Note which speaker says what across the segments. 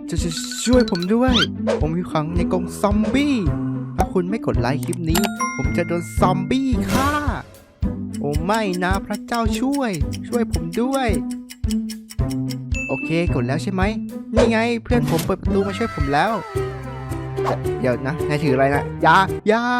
Speaker 1: จะช่วยผมด้วยผมอยู่ขังในกรงซอมบี้ถ้าคุณไม่กดไลค์คลิปนี้ผมจะโดนซอมบี้ฆ่าโอ้ไม่นะพระเจ้าช่วยผมด้วยโอเคกดแล้วใช่ไหมนี่ไงเพื่อนผมเปิดประตูมาช่วยผมแล้วเดี๋ยวนะนายถืออะไรนะยา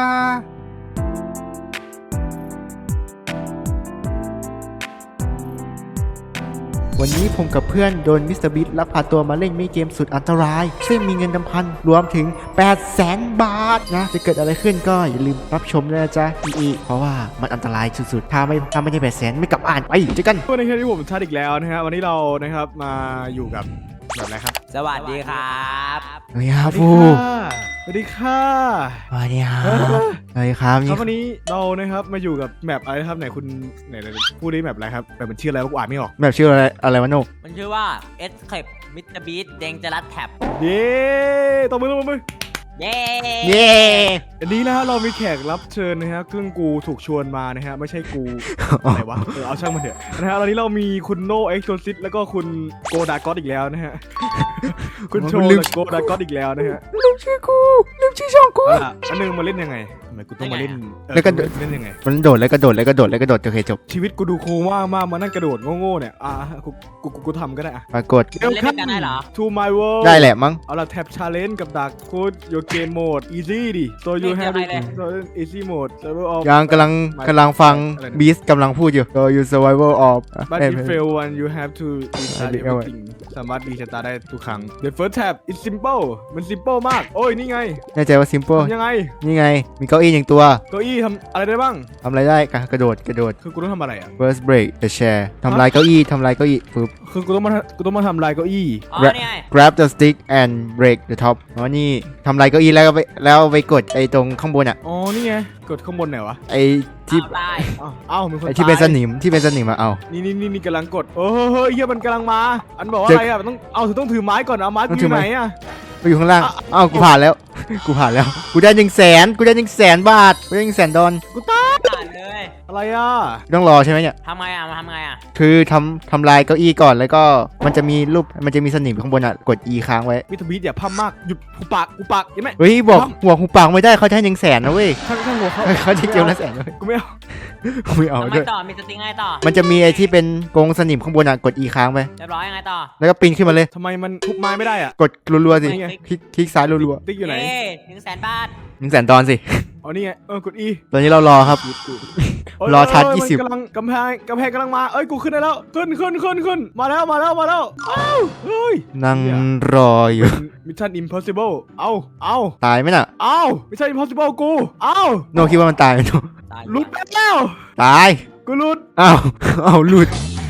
Speaker 1: วันนี้ผมกับเพื่อนโดนมิสเตอร์บิ๊กลักพาตัวมาเล่นมินิเกมสุดอันตรายซึ่งมีเงินรวมถึง 800,000 บาทนะจะเกิดอะไรขึ้นก็อย่าลืมรับชมด้วยนะจ๊ะเพราะว่ามันอันตรายสุดๆถ้าไม่ได้800,000ไม่กลับอ่านไปเจอกัน
Speaker 2: วันนี้ที่ผมชัดอีกแล้วนะฮะวันนี้เรานะครับมาอยู่กับแบบอะไรครับ
Speaker 3: สวัสดีครับ
Speaker 1: สวัสดีครับผู้
Speaker 2: สวัสดีค่ะ
Speaker 1: สวัสดีครับครับ
Speaker 2: วันนี้เรานะครับมาอยู่กับแมปอะไรครับไหนคุณไหนพูดได้แมปอะไรครับแบบมันชื่ออะไรอ่านไม่ออก
Speaker 1: แมปชื่ออะไรวะโน
Speaker 3: มันชื่อว่า Escape Mr. Beast Dangerous Tab
Speaker 2: เย้ตบมือ
Speaker 3: เย้
Speaker 2: อันนี้นะฮะเรามีแขกรับเชิญนะฮะซึ่งกูถูกชวนมานะฮะไม่ใช่กูอะไรวะเอาช่างมันเถอะนะฮะตอนนี้เรามีคุณโนเอ็กโซซิสแล้วก็คุณโกดากอสอีกแล้วนะฮะคุณโชว์โกดากอสอีกแล้วนะฮะ
Speaker 1: ลืมชื่อช่องกู
Speaker 2: อันนึงมาเล่นยังไงทำไมกูต้องมาเล่น
Speaker 1: แล้วก็
Speaker 2: เล่นยังไง
Speaker 1: มันโดดแล้วก็โดดโอเคจบ
Speaker 2: ชีวิตกูดูโค้งมากมานั่งกระโดดโง่ๆเนี่ยกูทำก็ได้อะ
Speaker 1: ปรากฏ
Speaker 3: เล่นกันได้เหรอ
Speaker 2: To my world
Speaker 1: ได้แหละมั้ง
Speaker 2: เอาละแท็บ challenge กับดักพูด your game mode easy ดิ so you have easy mode survival of
Speaker 1: ยังกำลังฟังบีสกำลังพูดอยู่ so you survival of
Speaker 2: but if fail one you have to restart everything สามารถรีสตาร์ทได้ทุกครั้ง the first tab is simple มัน simple มากโอ้ยนี่ไง
Speaker 1: แน่ใจว่า simple
Speaker 2: ยังไง
Speaker 1: นี่ไงมีเก้าอี้1ตัว
Speaker 2: เก้าอี้ทำอะไรได้บ้าง
Speaker 1: ทำอะไรได้กระโดด
Speaker 2: คือกูต้องทำอะไรอ่ะ
Speaker 1: first break the chair ทำลายเก้าอี้ปึ๊บ
Speaker 2: คือกูต้องมาทำลายเก้าอี้
Speaker 1: grab the stick and break the top อ๋อนี่ทำลายเก้าอี้แล้วไปกดไอ้ตรงข้างบนอ่ะ
Speaker 2: อ๋อนี่ไงกดข้างบนไหนวะ
Speaker 1: ไอ้ที่
Speaker 2: มีคน
Speaker 1: ไอ้ที่เป็นสนิมมาเอา
Speaker 2: นี่กำลังกดเฮ้ยเฮียมันกำลังมาอันบอกว่าอะไรอ่ะมันต้องถือไม้ก่อนเอาไม้อยู่ไหนอ่ะ
Speaker 1: ไปอยู่ข้างล่างกูผ่านแล้วกูได้100,000 บาทกูได้100,000 ดอล
Speaker 2: กูตาย
Speaker 3: เลย
Speaker 2: อะไรอ่ะ
Speaker 1: ต้องรอใช่ไหมเนี่ย
Speaker 3: ทำไงอ่ะ
Speaker 1: คือทำลายเก้าอี้ก่อนแล้วก็มันจะมีรูปมันจะมีสนิมข้างบนอ่ะกด E ค้างไว้
Speaker 2: มิสเตอร์บีทอย่าพั่มมากหยุดหูปากยังไง
Speaker 1: เฮ้ยบอกหัวหูปากไม่ได้เขาให้100,000นะเว้ย
Speaker 2: ข้างหัว
Speaker 1: เขาจะเกี่ยวละ100,000
Speaker 2: กูไม่
Speaker 3: เอาด้วยต่อมีสติ๊กไงต่อ
Speaker 1: มันจะมีไอ้ที่เป็นกรงสนิมข้างบนอ่ะกด E ค้างไป
Speaker 3: เรียบร้อยยังไงต่อ
Speaker 1: แล้วก็ปีนขึ้นมาเลย
Speaker 2: ทำไมมันทุบไม้ไม่ได้อ่ะ
Speaker 1: กดรัวๆสิคลิกซ้ายรัว
Speaker 2: ๆติ๊กอยู่ไหน
Speaker 3: 100,000 บาท
Speaker 1: 100,000 ดอลสิ
Speaker 2: อ๋อนี่ไงกด E
Speaker 1: ตอนนี้เรารอครับรอชาร์จ20
Speaker 2: กำลังกำแพงกำลังมากูขึ้นได้แล้วขึ้นมาแล้วเฮ้ย
Speaker 1: นั่งรออยู่
Speaker 2: Mission Impossible เอา
Speaker 1: ตายไหมน่ะ
Speaker 2: Mission Impossible กู
Speaker 1: โนคิดว่ามันตายไหมโน
Speaker 2: หลุดแล้ว
Speaker 1: ตาย
Speaker 2: กูหลุด
Speaker 1: หลุด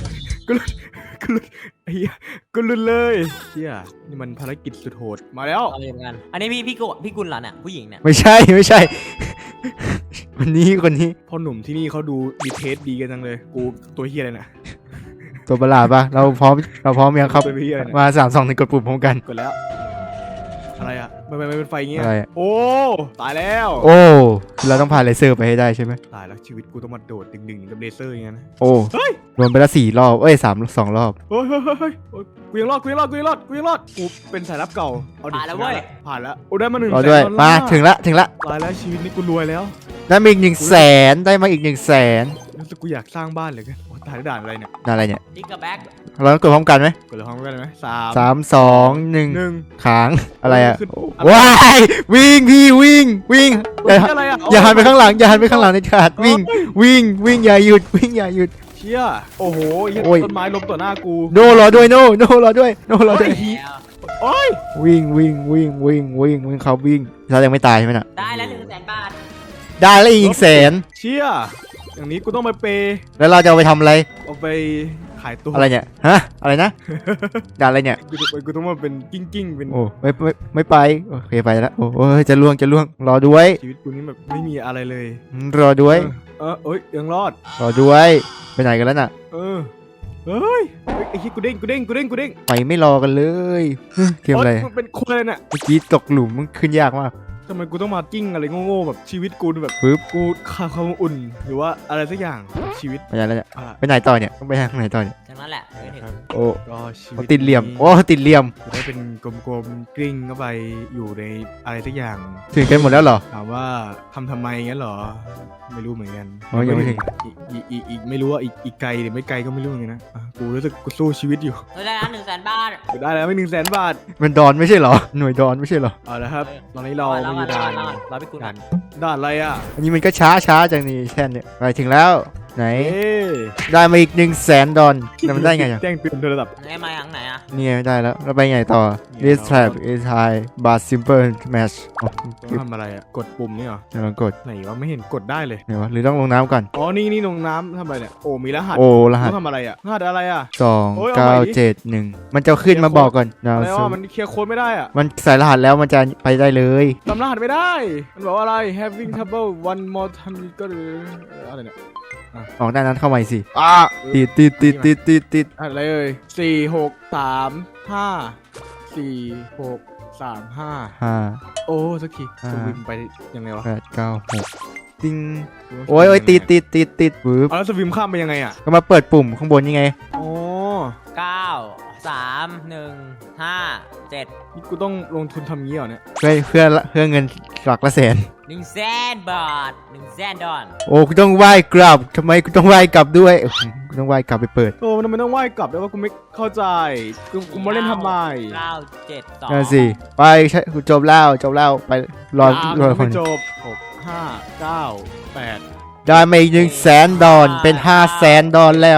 Speaker 2: กูหลุดเลยเฮียนี่มันภารกิจสุดโหดมาแล้ว
Speaker 3: อันนี้พี่กุลเหรอเนี่ยผู้หญิงเนี่ย
Speaker 1: ไม่ใช่คนนี้
Speaker 2: พ่อหนุ่มที่นี่เขาดูดีเทสดีกันจังเลยกูตัวเฮียอะไรนะ
Speaker 1: ตัวประหลาดปะเราพร้อมยังครับมา3 2 1กดปุ่มพร้อมกัน
Speaker 2: กดแล้วอะไรอ่ะมันเป็นไฟอย่างเงี้ยโอ้ตายแล้ว
Speaker 1: เราต้องพาเลเซอร์ไปให้ได้ใช่ไหม
Speaker 2: ตายแล้วชีวิตกูต้องมาโดดดึงกับเลเซอร์อย่างเงี้ยนะ
Speaker 1: โดนไปละ4 รอบ2 รอบ
Speaker 2: กูยังรอดกูเป็นสายลับเก่า
Speaker 3: ผ่านแล้วเว้ย
Speaker 2: ผ่านแล้วได้มา100,000
Speaker 1: ด้วยมาถึงละ
Speaker 2: ตายแล้วชีวิตนี้กูรวยแล้ว
Speaker 1: ได้มาอีก100,000ได้มาอีก100,000
Speaker 2: รู้สึกกูอยากสร้างบ้านเลยกันตายด่านอะไรเนี่ย
Speaker 3: ดิกกับแบ็ค
Speaker 1: เราต้องกดพร้อมกันไหม
Speaker 2: กดพร้อมกันเลยไหม
Speaker 1: 3 2 1ค้างอะไรอ่ะว้ายวิ่งอย่าหันไปข้างหลังในขาดวิ่งอย่าหยุด
Speaker 2: เชี่ยโอ้โหต้นไม้ล้มต่อหน้ากู
Speaker 1: โนรอด้วยโนรอด้วย
Speaker 2: โอ้ย
Speaker 1: วิ่งเขาวิ่งเรายังไม่ตายใช่ไหมน่ะ
Speaker 3: ได้แล้ว100,000 บาท
Speaker 1: ได้แล้วอีก100,000
Speaker 2: เชี่ยอย่างนี้กูต้องไปเปย์
Speaker 1: แล้วเราจะเอาไปทำอะไร
Speaker 2: เอาไปขายตัว
Speaker 1: อะไรเนี่ยอะไรนะด่าอะไรเนี่ย
Speaker 2: กูต้องมาเป็นกิ้งเป็น
Speaker 1: โอ้ไม่ไปโอเคไปแล้วโอ้ยจะล่วงรอด้วย
Speaker 2: ชีวิตกูนี้แบบไม่มีอะไรเลย
Speaker 1: รอด้วย
Speaker 2: ยังรอด
Speaker 1: รอด้วยไปไหนกันแล้วน่ะ
Speaker 2: เฮ้ยไอ้ที่กูเด้ง
Speaker 1: ไปไม่รอกันเลยเกมอะไร
Speaker 2: เป็นคนเลยน่ะ
Speaker 1: เมื่อกี้ตกหลุมมันขึ้นยากมาก
Speaker 2: ทำไมกูต้องมากิ้งอะไรโง่ๆแบบชีวิตกูแบบ
Speaker 1: ปึ๊บ
Speaker 2: กูขาดความอุ่นหรือว่าอะไรสักอย่างชีวิต
Speaker 1: ไปไหนแล้วเนี่ย
Speaker 2: อ่ะ
Speaker 1: ไปไหนต่อเนี่ยต้องไปทางไหนต่อเนี่ย
Speaker 3: จากนั้นแหละไม่ถึง
Speaker 1: โอ้
Speaker 2: ก็ชีวิ
Speaker 1: โอ้
Speaker 2: ต
Speaker 1: ติดเหลี่ยม
Speaker 2: นี้
Speaker 1: โอ้ติดเหลี่ยม
Speaker 2: จะได้เป็นกลมๆกลิ้งเข้าไปอยู่ในอะไรสักอย่าง
Speaker 1: ถึงกันหมดแล้วเหรอ
Speaker 2: ถามว่าทำไมงั้นเหรอไม่รู้เหมือนกัน
Speaker 1: อ๋อยังไม่ถึง
Speaker 2: อีกไม่รู้ว่าอีกไกลหรือไม่ไกลก็ไม่รู้เหมือนกันนะอ่ะกูรู้สึกกูสู้ชีวิตอยู่
Speaker 3: ได้แล้ว100,000 บาท
Speaker 2: ได้แล้วไม่100,000 บาท
Speaker 1: มันดอนไม่ใช่เหรอหน่วยดอนไม่ใช่เหรอ
Speaker 2: เอาละครับตอนนี้เรา
Speaker 3: รอ
Speaker 2: มา
Speaker 3: ก่
Speaker 2: อ
Speaker 3: อน
Speaker 2: ยู่
Speaker 3: รอ
Speaker 2: ด่าน
Speaker 3: ก่อนรอพี่กู
Speaker 2: ด่า
Speaker 3: ก่อน น
Speaker 2: ด่านอะไรอ่ะ
Speaker 1: อันนี้มันก็ช้าจังนี่แท่นเนี่ยไปถึงแล้วไหน
Speaker 2: เอ๊ะ
Speaker 1: ได้มาอีก100,000 ดอนแต่มันได้ไงอ่ะ
Speaker 2: แจ้งเตือนโดยระดับ
Speaker 3: ไหนมาทางไหนอ่ะ
Speaker 1: นี่ไงได้แล้วเราไปไงต่อ this trap is high but simple match อ๋อ
Speaker 2: ต้องทำอะไรอ่ะกดปุ่มนี่เหรอ
Speaker 1: เดี๋ยวลองกด
Speaker 2: ไหนวะไม่เห็นกดได้เลย
Speaker 1: ไหนวะหรือต้องลงน้ำก่อน
Speaker 2: อ๋อนี่ลงน้ำทำอะไรเนี่ยโอ้มีรหัส
Speaker 1: โอ้รหัส
Speaker 2: ต้องทำอะไรอ่ะรหัสอะไรอ่ะ
Speaker 1: 2
Speaker 2: โอ้ยเอาใหม่ดิ
Speaker 1: 9 7 1มันจะขึ้นมาบอกก่อน now
Speaker 2: อะไร
Speaker 1: so
Speaker 2: วะมันเคลียร์โค้ดไม่ได้อ่ะ
Speaker 1: มันใส่รหัสแล้วมันจะไปได้เลย
Speaker 2: จำรหัสไม่ได้ มันบอกว่าอะไร having trouble one more time ก็อะไรเนี่ย
Speaker 1: ออกด้านนั้นเข้าใหม่สิติด
Speaker 2: อะไรเอ่ย4635
Speaker 1: 5
Speaker 2: โอ้สักที
Speaker 1: อ่า
Speaker 2: สวิมไปยังไงวะ
Speaker 1: 8 9 6ติ้งโอ้ยติดปึ๊บ
Speaker 2: เอาแล้วสวิมข้ามไปยังไงอ่ะ
Speaker 1: ก็มาเปิดปุ่มข้างบนยังไง
Speaker 2: อ๋อ
Speaker 3: 9 3 1 5 7
Speaker 2: นี่กูต้องลงทุนทำงี้เหรอเนี่ย
Speaker 1: เพื่อเงินหลักละแสน
Speaker 3: 100,000 บาท100,000 ดอล
Speaker 1: โอ้กูต้องไหว้กลับทำไมกูต้องไหว้กลับด้วยกูต้องไหว้กลับไปเปิด
Speaker 2: โอ้มันทำไมต้องว่ายกลับด้วยว่ากูไม่เข้าใจกูมาเล่นทำไม
Speaker 3: 9 7 2
Speaker 1: นั่นสิไปใช่กูจบแล้วไปรอ
Speaker 2: ยัง
Speaker 1: คน
Speaker 2: ไม่จบ6 5 9 8
Speaker 1: ได้มาอีก100,000 ดอนเป็น500,000 ดอนแล้ว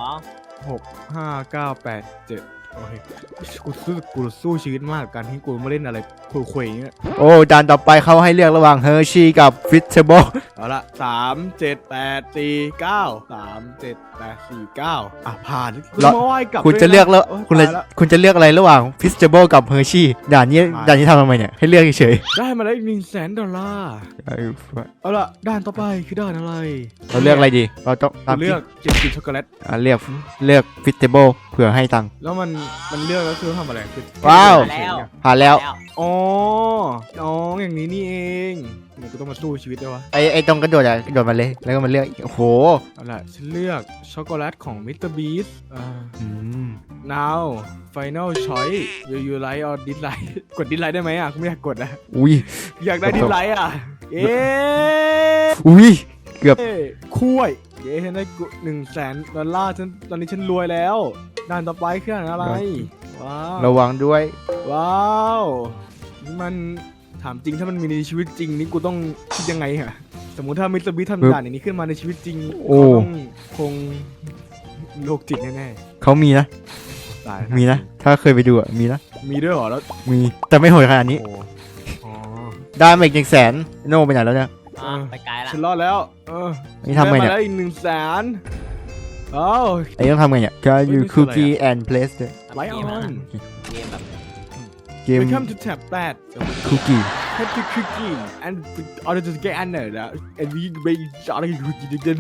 Speaker 3: 2
Speaker 2: 6 5 9 8 7โอเคกูสู้ชีวิตมากกับการที่กูมาเล่นอะไรคุยๆอย่างเงี้ย
Speaker 1: โอ้ด่านต่อไปเขาให้เลือกระหว่างเฮอร์ชี่กับฟิชเชเบิล
Speaker 2: เอาละ3 7 8 4 9 3 7 8 4 9อ่ะผ่านมาไหว้กลับ
Speaker 1: คุณจะเลือกแล้ว
Speaker 2: โย
Speaker 1: คุณ
Speaker 2: ตายละ
Speaker 1: คุณจะเลือกอะไรระหว่างฟิชเชเบิลกับเฮอร์ชี่ด่านนี้ทำทำไมเนี่ยให้เลือกเฉย
Speaker 2: ได้มาแล้วอีก$100,000
Speaker 1: ๆ
Speaker 2: เอาละด้านต่อไปคือด้านอะไร
Speaker 1: เราเลือกอะไรดีเราต้องตาม
Speaker 2: เลือกเจ็ดกินช็อกโกแลต
Speaker 1: เลือกฟิชเชเบิลเผื่อให้ตังค์
Speaker 2: แล้วมันเลือกแล้วคือทำอะไรคือ
Speaker 1: ว้าว
Speaker 2: เฉยๆเนี่ย
Speaker 1: ผ่านแล้ว
Speaker 2: อ๋ออย่างนี้นี่เองเดี๋ยวกูต้องมาสู้ชีวิตด้วยวะ
Speaker 1: ไอ้ตรงกระโดดกระโดดมาเลยแล้วก็มาเลือกโอ้โห
Speaker 2: เอาล่ะฉันเลือกช็อกโกแลตของมิสเตอร์บีส
Speaker 1: อืม
Speaker 2: now final choice will you like or dislike กด dislike ได้ไหมอ่ะกูไม่อยากกดนะ
Speaker 1: อุ้ย
Speaker 2: อยากได้ dislike อ่ะเอ๊ะ
Speaker 1: อุ้ยเกือบ
Speaker 2: คุยเย้ฉันได้$100,000ฉันตอนนี้ฉันรวยแล้วด้านต่อไปคืออะไรว้าว
Speaker 1: ระวังด้วย
Speaker 2: ว้าวนี่มันถามจริงถ้ามันมีในชีวิตจริงนี่กูต้องคิดยังไงฮะสมมุติถ้ามิสเตอร์บีทำด่านอย่างนี้ขึ้นมาในชีวิตจริง
Speaker 1: โอ้
Speaker 2: เขาต้องคงโรคจิตแน่
Speaker 1: เขามีนะ
Speaker 2: ๆตาย
Speaker 1: มีนะ ถ้าเคยไปดูมีนะ
Speaker 2: มีด้วยเหรอแล้ว
Speaker 1: มีแต่ไม่โหดขนาดนี้
Speaker 2: โอ้อ๋อ
Speaker 1: ได้มาอีก100,000โน่ไปไหนแล้วเนี่ย
Speaker 3: ไปไกลละ
Speaker 2: ฉันรอดแล้ว
Speaker 1: นี่ทำไงเนี่ย
Speaker 2: ด้มาแล้วอีก$100,000อ้าว
Speaker 1: ไอ้ต้องทำไงเนี่ย Can you
Speaker 2: นี่คืออะไร
Speaker 1: cookie and place ด้วย
Speaker 2: ไลท์ออน
Speaker 3: เกมแบบ
Speaker 1: เกม
Speaker 2: Welcome to tab 8
Speaker 1: cookie
Speaker 2: Have to cooking and order to get under that and we make อะไรคุ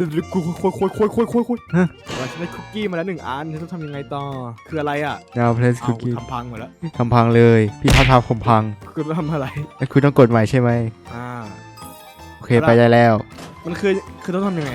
Speaker 2: ยเราฉันได้คุกกี้มาแล้ว1 อันฉันต้องทำยังไงต่อคืออะไรอ่ะ
Speaker 1: now place
Speaker 2: เอา
Speaker 1: cookie
Speaker 2: ทำพังหมดแล้ว
Speaker 1: ทำพังเลย พี่ทำผมพัง
Speaker 2: คุณต้องทำอะไร
Speaker 1: แล้วคุณต้องกดใหม่ใช่ไหม
Speaker 2: อ่า
Speaker 1: โอเคไปได้แล้ว
Speaker 2: มันคือต้องทำยังไง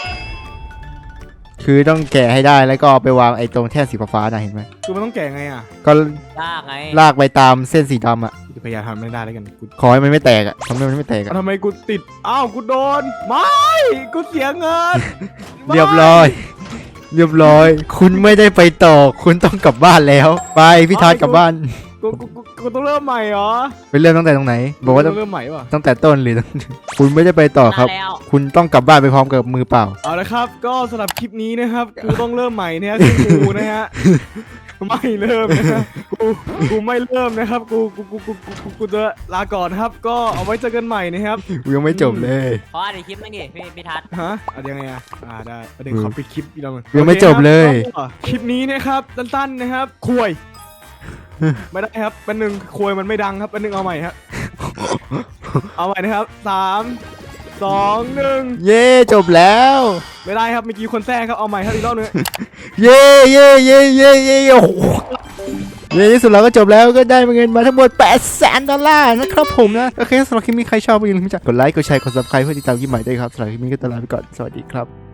Speaker 1: คือต้องแกะให้ได้แล้วก็เอาไปวางไอ้ตรงแท่นสีฟ้าๆนะเห็นไหม
Speaker 2: คือมันต้องแกะไงอ่ะ
Speaker 1: ก็
Speaker 3: ลากไง
Speaker 1: ลากไปตามเส้นสีดำอ่ะ
Speaker 2: กูจะพยายามทำไม่ได้แล้วกันกู
Speaker 1: ขอให้มันไม่แตกอ่ะทำให้มันไม่แตกอ่ะ
Speaker 2: ทำไมกูติดอ้าวกูโดนไม่กูเสียเงิน
Speaker 1: เรียบร้อย คุณไม่ได้ไปต่อ คุณต้องกลับบ้านแล้ว ไปพี่ทัศน์กลับบ้าน
Speaker 2: กูต้องเริ่มใหม่เหรอ
Speaker 1: ไปเริ่มตั้งแต่ตรงไหน บอกว่า
Speaker 2: ต้องเริ่มใหม่ป่ะ
Speaker 1: ตั้งแต่ต้นหรือ คุณไม่ได้ไปต่อครับ
Speaker 3: มาแล้ว
Speaker 1: คุณต้องกลับบ้านไปพร้อมกับมือเปล่า
Speaker 2: เอาละครับ ก็สำหรับคลิปนี้นะครับ กูต้องเริ่มใหม่นะฮะคือกูนะฮะ ไม่เริ่มนะฮะกูไม่เริ่มนะครับ กูจะลาก่อนครับ ก็เอาไว้เจอกันใหม่นะครับ
Speaker 1: กูยังไม่จบเลย
Speaker 3: ขออ่านอีกคลิปนึงดิพี่ทัศน์
Speaker 2: ฮะเอายังไงอ่ะได้ประเด็นขอปิดคลิปอีกแล้วมึง
Speaker 1: ยังไม่จบเลย
Speaker 2: โอคครับก็คลิปนี้นะครับสั้นๆนะครับคุยไม่ได้ครับเป็นหนึ่งคุยมันไม่ดังครับเป็นหนึ่งเอาใหม่ครับเอาใหม่นะครับ3 2 1
Speaker 1: เย่จบแล้ว
Speaker 2: ไม่ได้ครับเมื่อกี้คนแทรกครับเอาใหม่ครับอีกรอบนึง
Speaker 1: เย่โอ้โหในที่สุดเราก็จบแล้วก็ได้เงินมาทั้งหมด$800,000นะครับผมนะโอเคสำหรับคลิปนี้ใครชอบอย่าลืมกดไลค์กดแชร์กด subscribe เพื่อติดตามคลิปใหม่ด้วยครับสำหรับคลิปนี้ก็ตลาไปก่อนสวัสดีครับ